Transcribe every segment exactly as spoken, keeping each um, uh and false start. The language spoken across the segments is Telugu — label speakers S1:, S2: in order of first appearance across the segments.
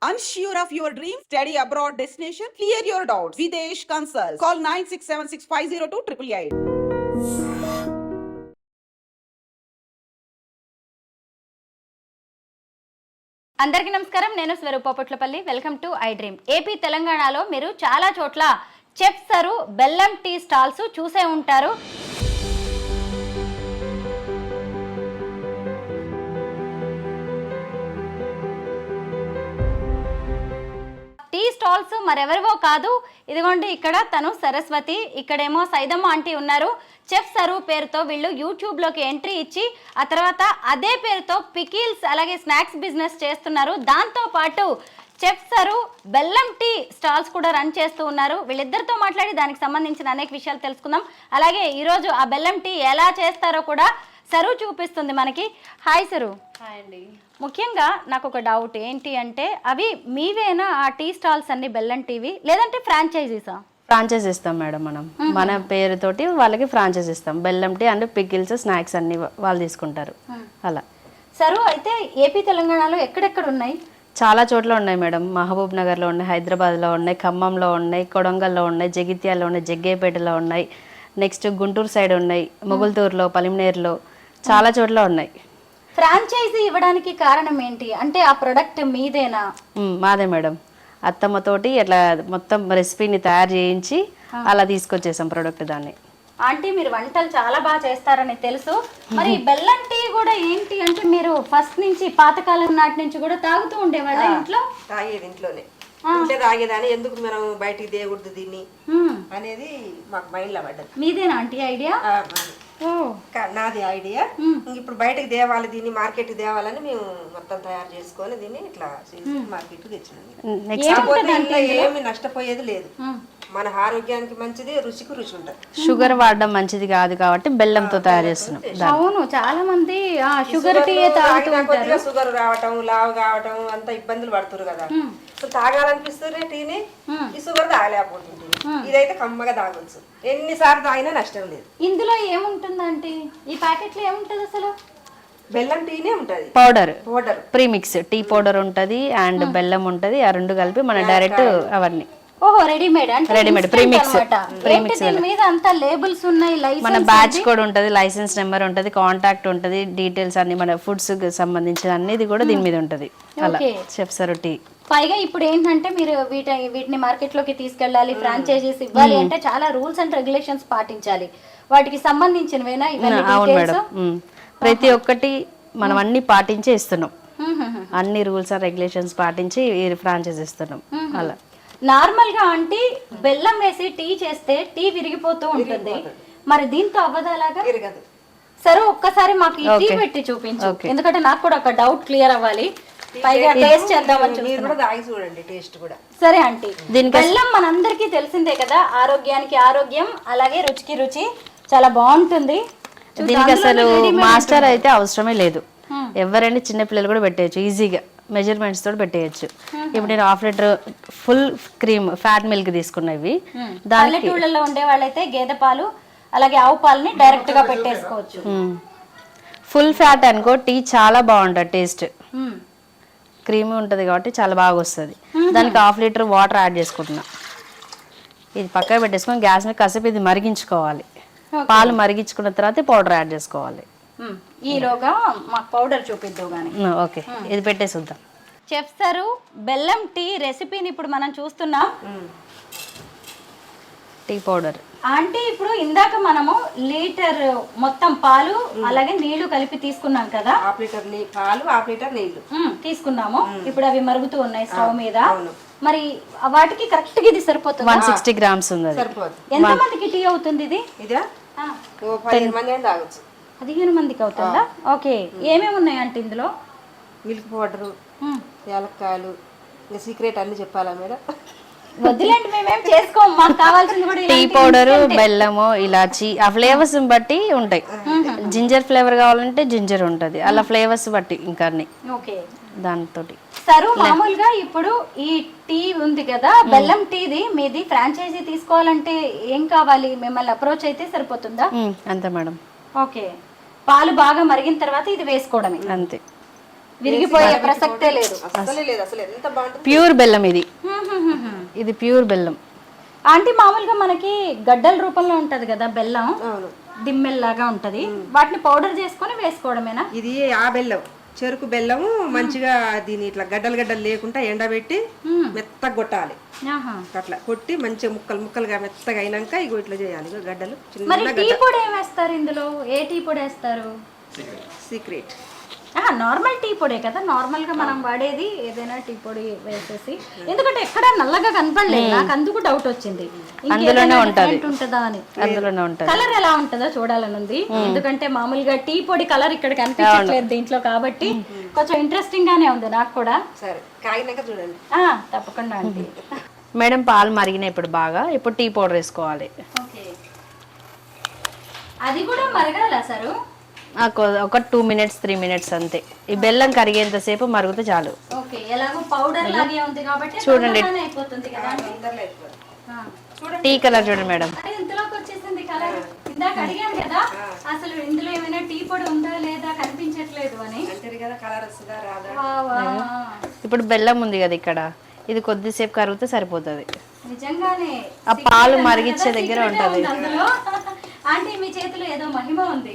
S1: Unsure of your dream? Study abroad destination? Clear your doubts. Videsh Consult. Call nine six seven six five zero two eight eight eight.
S2: అందరికీ నమస్కారం. నేను Swaroopa Potlapalli. Welcome to I dream. AP తెలంగాణలో మీరు చాలా చోట్ల చెప్సరు బెల్లం టీ స్టాల్స్ చూసే ఉంటారు. టీ స్టాల్స్ మరెవరివో కాదు, ఇదిగోండి ఇక్కడ తను సరస్వతి, ఇక్కడేమో సైదమ్మ ఆంటీ ఉన్నారు. చెఫ్ సరు పేరుతో వీళ్ళు యూట్యూబ్లోకి ఎంట్రీ ఇచ్చి ఆ తర్వాత అదే పేరుతో పికిల్స్ అలాగే స్నాక్స్ బిజినెస్ చేస్తున్నారు. దాంతోపాటు చెఫ్ సరు బెల్లం టీ స్టాల్స్ కూడా రన్ చేస్తూ ఉన్నారు. వీళ్ళిద్దరితో మాట్లాడి దానికి సంబంధించిన అనేక విషయాలు తెలుసుకుందాం. అలాగే ఈరోజు ఆ బెల్లం టీ ఎలా చేస్తారో కూడా సరు చూపిస్తుంది మనకి. Hi sir.
S3: హాయ్ అండి.
S2: ముఖ్యంగా నాకు ఒక డౌట్ ఏంటి అంటే, అవి మీవేనా ఆ టీ స్టాల్స్ అన్ని బెల్లం టీవీ, లేదంటే ఫ్రాంచైజీసా?
S3: ఫ్రాంచైజ్ ఇస్తాం మేడం, మనం మన పేరుతోటి వాళ్ళకి ఫ్రాంచైజ్ ఇస్తాం. బెల్లం టీ అండ్ పికిల్స్ స్నాక్స్ అన్ని వాళ్ళు తీసుకుంటారు అలా.
S2: సరు అయితే ఏపీ తెలంగాణలో ఎక్కడెక్కడ ఉన్నాయి?
S3: చాలా చోట్ల ఉన్నాయి మేడం. మహబూబ్ నగర్లో ఉన్నాయి, హైదరాబాద్లో ఉన్నాయి, ఖమ్మంలో ఉన్నాయి, కొడంగల్లో ఉన్నాయి, జగిత్యాల్లో ఉన్నాయి, జగ్గేపేటలో ఉన్నాయి, నెక్స్ట్ గుంటూరు సైడ్ ఉన్నాయి, మొగుల్తూరులో, పలిమినేరులో చాలా చోట్ల ఉన్నాయి.
S2: ఫ్రాంచైజీ ఇవ్వడానికి కారణం ఏంటి అంటే, ఆ ప్రొడక్ట్ మీదేనా?
S3: మాదే మేడం. అత్తమ్మతోటి అట్లా మొత్తం రెసిపీని తయారు చేయించి అలా తీసుకొచ్చేసాం ప్రోడక్ట్. దాన్ని
S2: ఆంటీ మీరు వంటలు చాలా బాగా చేస్తారని తెలుసు. మరి బెల్లం టీ కూడా ఏంటి అంటే, మీరు ఫస్ట్ నుంచి పాతకాలం నాటి నుంచి కూడా తాగుతూ ఉండేవాళ్ళ ఇంట్లో?
S4: తాగేది ఇంట్లోనే, ఇంట్లో తాగేదాన్ని. ఎందుకు మనం బయటికి దేయకూడదు దీన్ని అనేది మాకు మైండ్లో పడ్డది.
S2: మీదేనా ఆంటీ ఐడియా?
S4: నాది ఐడియా. ఇప్పుడు బయటకు తేవాలి, దీన్ని మార్కెట్ తేవాలని మేము మొత్తం తయారు చేసుకొని దీన్ని ఇట్లా మార్కెట్ తెచ్చినాం. ఏమి నష్టపోయేది లేదు, మన ఆరోగ్యానికి మంచిది, రుచికి రుచి ఉంటుంది.
S3: షుగర్ వాడడం మంచిది కాదు కాబట్టి బెల్లంతో తయారు చేస్తున్నాం.
S2: అవును, చాలా మంది షుగర్ టీ తాగుతూ ఉంటారు.
S4: షుగర్ రావటం, లావు కావటం అంత ఇబ్బందులు పడుతున్నారు కదా. తాగాలనిపిస్తుంది టీని, ఈ షుగర్ తాగలేకపోతుంది. ఇదైతే కమ్మగా తాగొచ్చు, ఎన్నిసార్లు తాగినా నష్టం లేదు.
S2: ఇందులో ఏముంటుందంటే, ఈ ప్యాకెట్ లో ఏముంటది అసలు?
S4: బెల్లం టీనే ఉంటది,
S3: powder
S4: powder
S3: premix tea powder ఉంటది అండ్ బెల్లం ఉంటది. ఆ రెండు కలిపి మన డైరెక్ట్ అవన్నీ.
S2: ఓహో, రెడీమేడ్ అంటే
S3: రెడీమేడ్ ప్రీమిక్స్.
S2: ప్రీమిక్స్ మీద అంతా లేబుల్స్ ఉన్నాయి,
S3: మన బ్యాచ్ కోడ్ ఉంటది, లైసెన్స్ నెంబర్ ఉంటది, కాంటాక్ట్ ఉంటది, డీటెయిల్స్ అన్ని మన ఫుడ్స్ సంబంధించిన అన్నిది కూడా దీని మీద ఉంటది. అలా చెఫ్ సరు టీ.
S2: పైగా ఇప్పుడు ఏంటంటే, మీరు వీటి వీటిని మార్కెట్ లోకి తీసుకెళ్ళాలి, ఫ్రాంచైజీస్ ఇవ్వాలి అంటే చాలా రూల్స్ అండ్ రెగ్యులేషన్స్ పాటించాలి. వాటికి సంబంధించినవేనా ఇవన్నీ?
S3: అవును మేడం, ప్రతి ఒక్కటి మనం అన్ని పాటించే ఇస్తున్నాం. అన్ని రూల్స్ అండ్ రెగ్యులేషన్స్ పాటించి ఫ్రాంచైజ్ ఇస్తున్నాం. అలా
S2: నార్మల్ గా అంటే బెల్లం వేసి టీ చేస్తే టీ విరిగిపోతూ ఉంటుంది, మరి దీంతో అవ్వదు అలాగా? సరే ఒక్కసారి మాకు ఈ టీ పెట్టి చూపించు, ఎందుకంటే నాకు కూడా ఒక డౌట్ క్లియర్ అవ్వాలి. పైగా టేస్ట్ చేద్దామని
S4: చూడండి, టేస్ట్ కూడా.
S2: సరే ఆంటీ, బెల్లం మనందరికీ తెలిసిందే కదా, ఆరోగ్యానికి ఆరోగ్యం అలాగే రుచికి రుచి, చాలా బాగుంటుంది.
S3: దీనికి అసలు మాస్టర్ అయితే అవసరమే లేదు, ఎవరైనా చిన్న పిల్లలు కూడా పెట్టేయచ్చు ఈజీగా, మెజర్మెంట్స్ తోటి పెట్టేయచ్చు. ఇప్పుడు నేను half litre full cream fat milk తీసుకున్నవి.
S2: పల్లెటూళ్ళలో ఉండే వాళ్ళైతే గేదె పాలు అలాగే ఆవు పాలని డైరెక్ట్ గా పెట్టేసుకోవచ్చు.
S3: ఫుల్ ఫ్యాట్ అనుకో టీ చాలా బాగుంటుంది, టేస్ట్ క్రీమీ ఉంటుంది కాబట్టి చాలా బాగా వస్తుంది. దానికి హాఫ్ లీటర్ వాటర్ యాడ్ చేసుకుంటున్నా. ఇది పక్కన పెట్టేసుకొని గ్యాస్ మీద కాసేపు ఇది మరిగించుకోవాలి. పాలు మరిగించుకున్న తర్వాత పౌడర్ యాడ్ చేసుకోవాలి.
S2: ఈలోగా మాకు పౌడర్ చూపిద్దాం కానీ.
S3: ఓకే, ఇది పెట్టేసి వద్దాం.
S2: చెఫ్ సరు బెల్లం టీ రెసిపీని ఇప్పుడు మనం చూస్తున్నాం.
S3: టీ పౌడర్
S2: అంటే ఇప్పుడు ఇందాక మనము లీటర్ మొత్తం పాలు అలాగే నీళ్లు కలిపి తీసుకున్నాం కదా,
S4: హాఫ్ లీటర్ పాలు హాఫ్ లీటర్ నీళ్లు
S2: తీసుకున్నాము. ఇప్పుడు అవి మరుగుతూ ఉన్నాయి స్టవ్ మీద. మరి వాటికి కరెక్ట్ గా ఇది సరిపోతుంది?
S3: వన్ సిక్స్టీ గ్రామ్స్ ఉంది.
S2: ఎంత మందికి టీ అవుతుంది ఇది?
S4: ఇదా పదిహేను మంది అయినా తాగొచ్చు.
S2: పదిహేను మందికి అవుతుందా? ఓకే. ఏమేమి ఉన్నాయి అంటే ఇందులో?
S4: మిల్క్ పౌడరు, యాలక్కాయలు, ఇంకా సీక్రెట్ అన్ని చెప్పాలా మేడం?
S2: వద్దులేండి, మేమేం చేసుకోము, మాకు కావాల్సింది కూడా
S3: టీ పౌడరు, బెల్లము, ఇలాచి ఆ ఫ్లేవర్స్ బట్టి ఉంటాయి. జింజర్ ఫ్లేవర్ కావాలంటే జింజర్ ఉంటది, అలా ఫ్లేవర్స్ బట్టి ఇంకా అన్ని.
S2: ఓకే,
S3: దాంతో
S2: సరు మామూలుగా ఇప్పుడు ఈ టీ ఉంది కదా, బెల్లం టీది మీది ఫ్రాంచైజీ తీసుకోవాలంటే ఏం కావాలి? మిమ్మల్ని అప్రోచ్ అయితే సరిపోతుందా?
S3: అంతే మేడం.
S2: ఓకే, పాలు బాగా మరిగిన తర్వాత ఇది వేసుకోవడమే
S3: అంతే.
S2: విరిగిపోయే ప్రసక్తే లేదు.
S4: అసలే లేదు, అసలు ఎంత బాగుంటుంది.
S3: ప్యూర్ బెల్లం ఇది, ఇది ప్యూర్ బెల్లం.
S2: ఆంటీ మామూలుగా మనకి గడ్డల రూపంలో ఉంటది కదా బెల్లం,
S4: అవును,
S2: దిమ్మెల్లాగా ఉంటది, వాటిని పౌడర్ చేసుకొని వేసుకోవడమేనా?
S4: ఇది ఆ బెల్లం, చెరుకు బెల్లము మంచిగా దీని ఇట్లా గడ్డలు గడ్డలు లేకుండా ఎండబెట్టి మెత్తగా కొట్టాలి.
S2: ఆహా.
S4: అట్లా కొట్టి మంచిగా ముక్కలు ముక్కలుగా మెత్తగా అయినాక ఇగో ఇట్లా చేయాలి. ఇగో గడ్డలు
S2: మరి
S4: చిన్న
S2: టీ పొడి ఏం వేస్తారు ఇందులో? ఏ టీ పొడి వేస్తారు?
S4: సీక్రెట్.
S2: నార్మల్ టీ పొడే కదా, నార్మల్ గా మనం వాడేది ఏదైనా టీ పొడి వేసేసి. ఎందుకంటే ఎక్కడ నల్లగా కనపడలేదు నాకు, అందుకు డౌట్ వచ్చింది
S3: అందులోనే ఉంటది
S2: ఉంటుందా అని.
S3: అందులోనే ఉంటది.
S2: కలర్ ఎలా ఉంటుందో చూడాలని ఉంది, ఎందుకంటే మామూలుగా టీ పొడి కలర్ ఇక్కడ కనిపించట్లేదు దీంట్లో, కాబట్టి కొంచెం ఇంట్రెస్టింగ్ గానే ఉంది నాకు కూడా.
S4: సరే కాగినాక చూడండి.
S2: ఆ తప్పకుండా అండి.
S3: మేడం పాలు మరిగినాయి ఇప్పుడు బాగా, ఇప్పుడు టీ పౌడర్ వేసుకోవాలి.
S2: ఓకే, అది కూడా మరగాల సారు?
S3: ఒక టూ మినిట్స్ త్రీ మినిట్స్ అంతే. ఈ బెల్లం కరిగేంతసేపు మరుగుతే చాలు.
S2: ఓకే, ఎలాగో పౌడర్ లాగే ఉంది కాబట్టి
S3: చూడండి,
S2: అయిపోతుంది కదా.
S3: టీ కలర్ చూడండి మేడం.
S2: అరే ఇంతలోకి వచ్చేసింది కలర్. ఇందాక అడిగాను కదా అసలు ఇందులో ఏమైనా టీ పొడి ఉందా లేదా కనిపించట్లేదు అని.
S4: అంతే కదా, కలర్ వస్తుందా రాదా.
S2: వా, వా.
S3: ఇప్పుడు బెల్లం ఉంది కదా ఇక్కడ, ఇది కొద్దిసేపు కరిగితే సరిపోతుంది.
S2: నిజంగానే
S3: ఆ పాలు మరిగిచ్చే దగ్గర ఉంటది.
S2: అందులో ఆంటీ మీ చేతిలో ఏదో మహిమ ఉంది.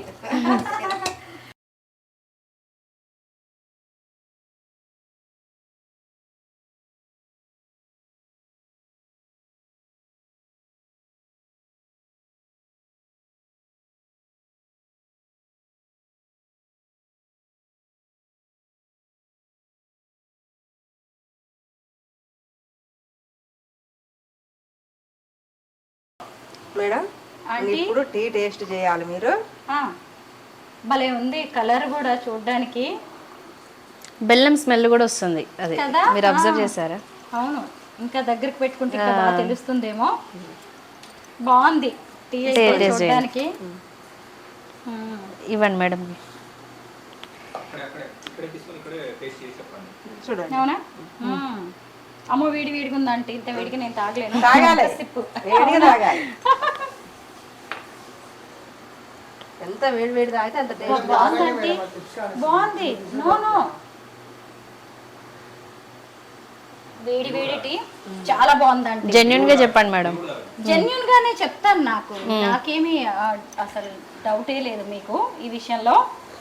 S4: మేడం ఇప్పుడు టీ టేస్ట్ చేయాలి మీరు.
S2: భలే ఉంది కలర్ కూడా చూడడానికి,
S3: బెల్లం స్మెల్ కూడా వస్తుంది, అది మీరు అబ్జర్వ్ చేశారా?
S2: అవును, ఇంకా దగ్గరికి పెట్టుకుంటే ఇంకా బాగా తెలుస్తుందేమో. బాగుంది టీ చూడడానికి.
S3: ఇవ్వండి మేడం.
S4: చూడండి.
S2: అవునా? అమ్మో వేడి వేడిగా ఉందంటే, ఇంత వేడిగా నేను తాగలేను.
S4: తాగాలి, వేడిగా తాగాలి. ఎంత వేడి వేడి తాగితే అంత టేస్ట్.
S2: బాగుందండి, బాగుంది. నో నో వేడి వేడి టీ చాలా బాగుందండి.
S3: జెన్యున్ గా చెప్పండి మేడం.
S2: జెన్యున్ గానే చెప్తాను, నాకు నాకేమీ అసలు డౌటే లేదు మీకు ఈ విషయంలో.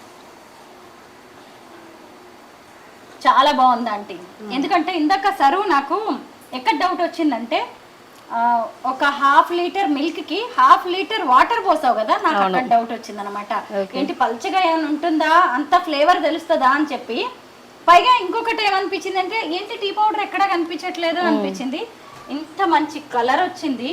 S2: చాలా బాగుంది ఆంటీ. ఎందుకంటే ఇందాక సరువు నాకు ఎక్కడ డౌట్ వచ్చిందంటే, ఒక హాఫ్ లీటర్ మిల్క్ కి హాఫ్ లీటర్ వాటర్ పోసావు కదా, నాకు అక్కడ డౌట్ వచ్చింది అనమాట. ఏంటి పల్చగా ఏమైనా ఉంటుందా, అంత ఫ్లేవర్ తెలుస్తుందా అని చెప్పి. పైగా ఇంకొకటి ఏమనిపించింది అంటే, ఏంటి టీ పౌడర్ ఎక్కడా కనిపించట్లేదు అనిపించింది. ఇంత మంచి కలర్ వచ్చింది,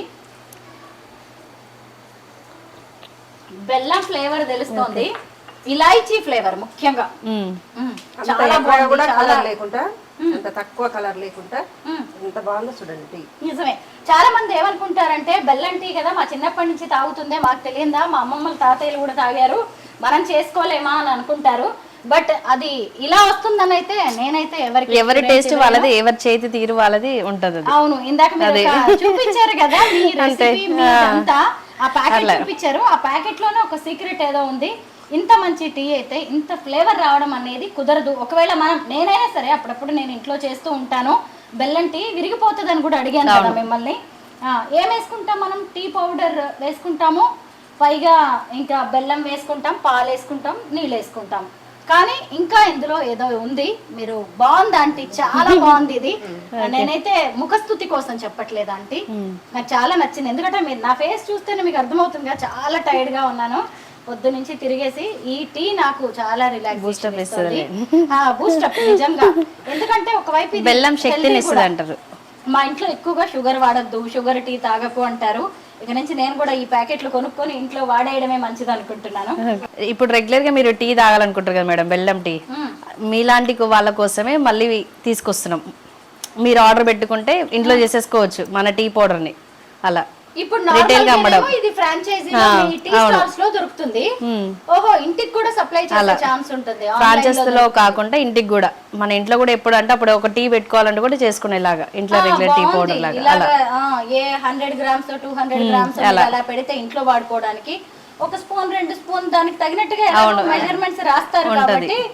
S2: బెల్లం ఫ్లేవర్ తెలుస్తోంది, ఇలాయచీ ఫ్లేవర్ ముఖ్యంగా.
S4: చాలా బాగా కలర్ లేకుండా, అంత తక్కువ కలర్ లేకుండా ఎంత బాగుందో చూడండి టీ.
S2: నిజమే, చాలా మంది ఏమనుకుంటారంటే బెల్లం టీ కదా మా చిన్నప్పటి నుంచి తాగుతుందే, మాకు తెలియదా, మా అమ్మమ్మలు తాతయ్యలు కూడా తాగారు, మనం చేసుకోలేమా అని అనుకుంటారు. బట్ అది ఇలా వస్తుందని అయితే నేనైతే ఎవరికి,
S3: ఎవరి టేస్ట్ వాళ్ళది, ఎవరి చేతి తీరు వాళ్ళది ఉంటది.
S2: అవును, ఇందాక మీరు చూపించారు కదా మీ రెసిపీ మీదంతా, ఆ ప్యాకెట్ చూపించారు, ఆ ప్యాకెట్ లోనే ఒక సీక్రెట్ ఏదో ఉంది. ఇంత మంచి టీ అయితే ఇంత ఫ్లేవర్ రావడం అనేది కుదరదు. ఒకవేళ మనం, నేనైనా సరే అప్పుడప్పుడు నేను ఇంట్లో చేస్తూ ఉంటాను, బెల్లం టీ విరిగిపోతుంది అని కూడా అడిగాను కదా మిమ్మల్ని. ఏం వేసుకుంటాం మనం? టీ పౌడర్ వేసుకుంటాము, పైగా ఇంకా బెల్లం వేసుకుంటాం, పాలు వేసుకుంటాం, నీళ్ళు వేసుకుంటాం. కానీ ఇంకా ఇందులో ఏదో ఉంది. మీరు బాగుంది ఆంటీ, చాలా బాగుంది ఇది. నేనైతే ముఖస్థుతి కోసం చెప్పట్లేదు ఆంటీ, నాకు చాలా నచ్చింది. ఎందుకంటే మీరు నా ఫేస్ చూస్తేనే మీకు అర్థమవుతుంది, చాలా టైర్డ్ గా ఉన్నాను పొద్దు నుంచి తిరిగేసి. ఈ టీ నాకు చాలా రిలాక్స్ బూస్టప్ ఇస్తుంది, బూస్టప్ నిజంగా. ఎందుకంటే ఒకవైపు
S3: బెల్లం శక్తిని ఇస్తుంది అంటారు.
S2: మా ఇంట్లో ఎక్కువగా షుగర్ వాడద్దు, షుగర్ టీ తాగకు అంటారు. ఇక నుంచి నేను కూడా ఈ ప్యాకెట్లు కొనుక్కొని ఇంట్లో వాడేయడమే మంచిది అనుకుంటున్నాను.
S3: ఇప్పుడు రెగ్యులర్ గా మీరు టీ తాగాలనుకుంటారు కదా మేడం, బెల్లం టీ, మీలాంటి వాళ్ళ కోసమే మళ్ళీ తీసుకొస్తున్నాం. మీరు ఆర్డర్ పెట్టుకుంటే ఇంట్లో చేసేసుకోవచ్చు మన టీ పౌడర్ ని. అలా
S2: ఇప్పుడు నార్మల్ ఇది ఫ్రాంచైజీ టీ స్టాల్స్ లో దొరుకుతుంది. ఓహో, ఇంటికి కూడా సప్లై చేసే ఛాన్స్ ఉంటుంది.
S3: ఫ్రాంచైజ్ లో కాకుండా ఇంటికి కూడా, మన ఇంట్లో కూడా ఎప్పుడు అంటే అప్పుడు ఒక టీ పెట్టుకోవాలంటే కూడా చేసుకునేలాగా ఇంట్లో రెగ్యులర్ టీ పౌడర్ లాగా.
S2: A hundred grams two hundred grams అలా పెడితే ఇంట్లో వాడుకోవడానికి ఒక స్పూన్ రెండు స్పూన్ దానికి తగినట్టుగా మెజర్మెంట్స్ రాస్తారు కాబట్టి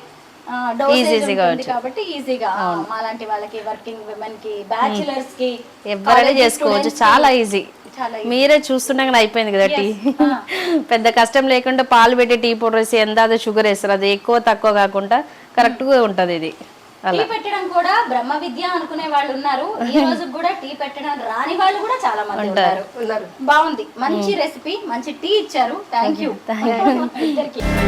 S3: ఈజీగా వచ్చు.
S2: కాబట్టి ఈజీగా మాలాంటి వాళ్ళకి, వర్కింగ్ విమెన్ కి, బ్యాచిలర్స్ కి
S3: ఎవరైనా చేసుకోవచ్చు, చాలా ఈజీ.
S2: చాలా
S3: మీరే చూస్తుండగానే అయిపోయింది కదా టీ. పెద్ద కష్టం లేకుండా పాలు పెట్టి టీ పౌడర్ వేసి ఎంత షుగర్ వేస్తారు, అది ఎక్కువ తక్కువ కాకుండా కరెక్ట్ గా ఉంటది ఇది.
S2: టీ పెట్టడం కూడా బ్రహ్మ విద్య అనుకునే వాళ్ళు ఉన్నారు, ఈ రోజు కూడా టీ పెట్టడం రాని వాళ్ళు కూడా చాలా మంది ఉన్నారు. బాగుంది, మంచి రెసిపీ, మంచి టీ ఇచ్చారు. థ్యాంక్ యూ ఇద్దరికి.